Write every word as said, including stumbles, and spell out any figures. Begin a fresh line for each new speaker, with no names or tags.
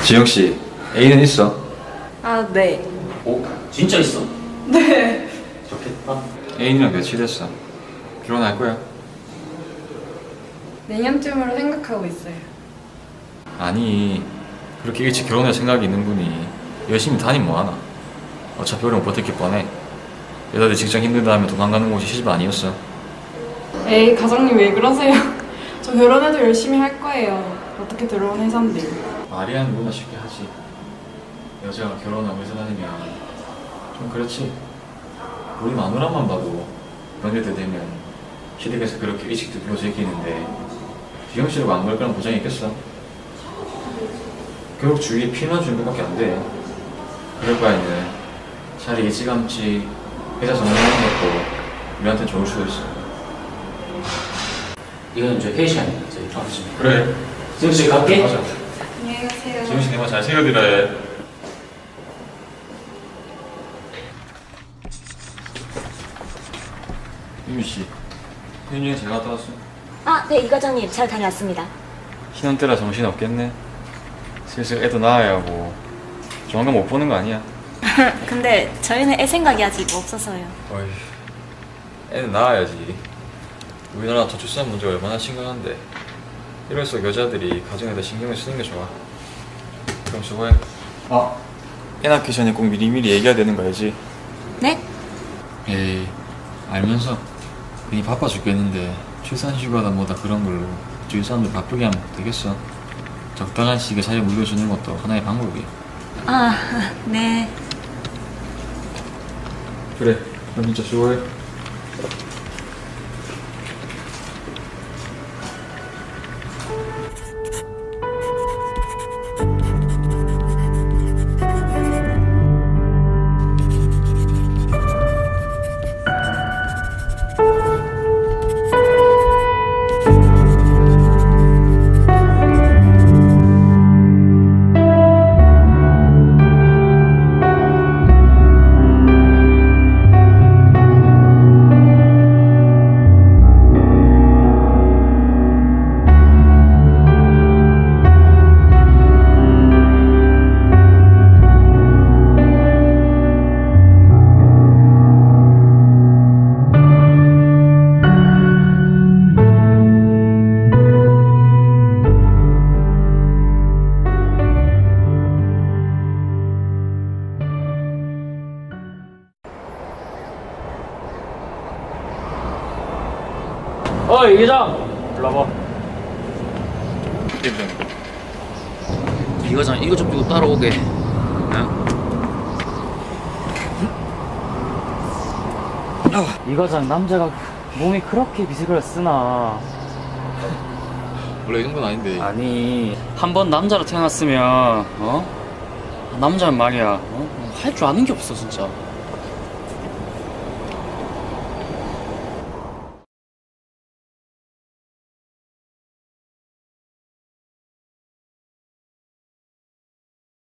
지영 씨, 애인은 있어?
아, 네.
오? 진짜 있어?
네.
좋겠다.
애인이랑 며칠 됐어? 결혼할 거야?
내년쯤으로 생각하고 있어요.
아니, 그렇게 일찍 결혼할 생각이 있는 분이 열심히 다니면 뭐하나? 어차피 오래 못 버틸 뻔해. 여자들 직장 힘들다 하면 돈 안 가는 곳이 시집 아니었어.
에이, 가장님 왜 그러세요? 저 결혼해도 열심히 할 거예요. 어떻게 들어온 회사인데.
말이 안 누구나 쉽게 하지. 여자가 결혼하고 회사 다니면 좀 그렇지. 우리 마누라만 봐도 연애 때 되면 시댁에서 그렇게 일찍 들고 제끼는데 지영 씨라고 안 그럴 거란 보장이 있겠어? 결국 주위에 피만 주는 것밖에 안 돼. 그럴 바에는 차라리 일찌감치 회사 정리하는 것도 우리한테 좋을 수도 있어.
이건 이제 회의 시간이니까 저희 좀 하시면.
그래.
지금 씨 갈게.
맞아.
안녕히 가세요.
지영 씨 내 말 잘 챙겨드려 해. 유미 씨, 현유에 잘 갔다 왔어?
아, 네, 이 과장님 잘 다녀왔습니다.
신혼 때라 정신 없겠네. 슬슬 애도 낳아야 하고 조만간 못 보는 거 아니야?
근데 저희는 애 생각이 아직 없어서요.
어이, 애는 낳아야지. 우리나라 저출산 문제가 얼마나 심각한데 이럴수록 여자들이 가정에다 신경을 쓰는 게 좋아. 그럼 수고해. 아, 애 낳기 전에 꼭 미리미리 얘기해야 되는 거 알지?
네?
에이, 알면서 괜히 바빠 죽겠는데 출산휴가다 뭐다 그런 걸로 주위 사람들 바쁘게 하면 되겠어. 적당한 시기에 자리 물려주는 것도 하나의 방법이야.
아, 네.
그래, 그럼 진짜 수고해.
어이, 이 과장! 불러봐. 이 과장, 이거 좀 두고 따라오게. 응? 이 과장, 남자가 몸이 그렇게 비식을 쓰나.
원래 이 정도는 아닌데.
아니, 한 번 남자로 태어났으면, 어? 남자는 말이야, 어? 할 줄 아는 게 없어, 진짜.